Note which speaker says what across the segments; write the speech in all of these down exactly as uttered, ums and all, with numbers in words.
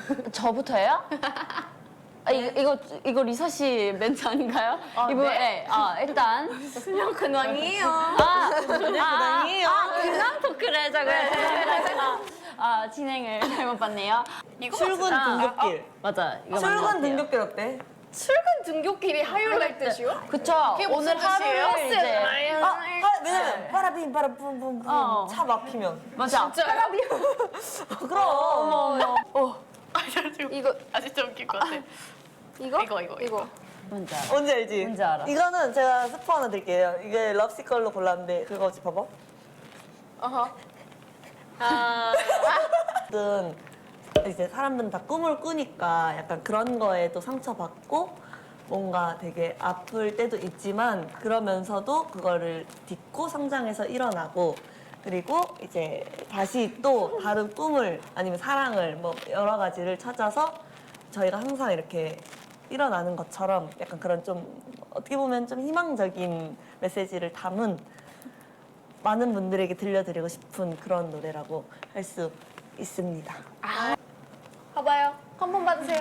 Speaker 1: 저부터예요? 아, 이거, 이거, 이거 리사 씨 멘트 아닌가요?
Speaker 2: 아,
Speaker 1: 이거,
Speaker 2: 네?
Speaker 1: 네. 아, 일단.
Speaker 2: 수녀 근황이에요.
Speaker 1: 아,
Speaker 2: 근황이에요.
Speaker 1: 아, 근황 토크를 하자고요. 제가 아, 진행을 잘못 봤네요.
Speaker 2: 이거
Speaker 3: 출근
Speaker 2: 맞아.
Speaker 3: 등굣길.
Speaker 1: 맞아. 이거 맞는 것
Speaker 3: 출근
Speaker 1: 같아요.
Speaker 3: 등굣길 어때?
Speaker 2: 출근 등굣길이 하이라이트시요?
Speaker 1: 그쵸.
Speaker 2: 그게
Speaker 1: 오늘
Speaker 2: 무슨 뜻이에요?
Speaker 1: 하루를 이제.
Speaker 3: 아, 하, 왜냐면 빠라빔 빠라붐붐붐
Speaker 1: 어.
Speaker 3: 차 막히면.
Speaker 1: 맞아.
Speaker 2: 진짜요?
Speaker 3: 그럼.
Speaker 1: 어머, 어머. 어.
Speaker 2: 아, 진짜
Speaker 4: 이거
Speaker 2: 아 진짜 웃길 것 같아.
Speaker 4: 이거?
Speaker 2: 이거 이거 이거.
Speaker 1: 뭔지 알아.
Speaker 3: 뭔지 알지?
Speaker 1: 뭔지 알아.
Speaker 3: 이거는 제가 스포 하나 드릴게요. 이게 럽시 걸로 골랐는데 그거 혹시 봐봐.
Speaker 4: 어허.
Speaker 2: 아.
Speaker 3: 어쨌든 이제 사람들은 다 꿈을 꾸니까 약간 그런 거에 또 상처받고 뭔가 되게 아플 때도 있지만 그러면서도 그거를 딛고 성장해서 일어나고 그리고 이제 다시 또 다른 꿈을 아니면 사랑을 뭐 여러 가지를 찾아서 저희가 항상 이렇게 일어나는 것처럼 약간 그런 좀 어떻게 보면 좀 희망적인 메시지를 담은 많은 분들에게 들려드리고 싶은 그런 노래라고 할 수 있습니다.
Speaker 4: 봐봐요. 한 번 받으세요.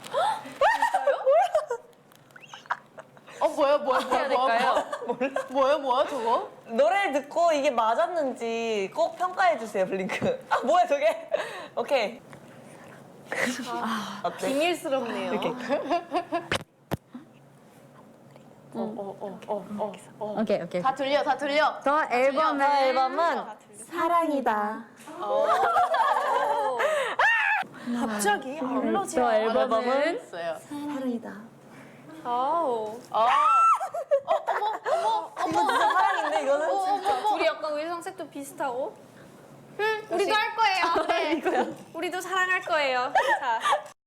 Speaker 2: 어 뭐야 뭐야
Speaker 1: 해야
Speaker 2: 뭐야
Speaker 1: 될까요?
Speaker 2: 뭐야 뭐야 저거?
Speaker 3: 노래를 듣고 이게 맞았는지 꼭 평가해 주세요, 블링크. 아 뭐야 저게? 오케이. 어때?
Speaker 4: 비밀스럽네요.
Speaker 3: 이렇게.
Speaker 2: 어어어어어 어.
Speaker 1: 오케이, 오케이.
Speaker 2: 다 들려 다 들려.
Speaker 1: 저 앨범은.
Speaker 3: 저 앨범은 사랑이다.
Speaker 4: 갑자기 알러지.
Speaker 1: 저 앨범은.
Speaker 2: 있어요.
Speaker 3: 사랑이다.
Speaker 4: 아우.
Speaker 2: 어.
Speaker 3: 이거 진짜 사랑인데 이거는 진짜.
Speaker 4: 둘이 약간 의상색도 비슷하고. 응, 우리도 할 거예요. 네. 우리도 사랑할 거예요. 자.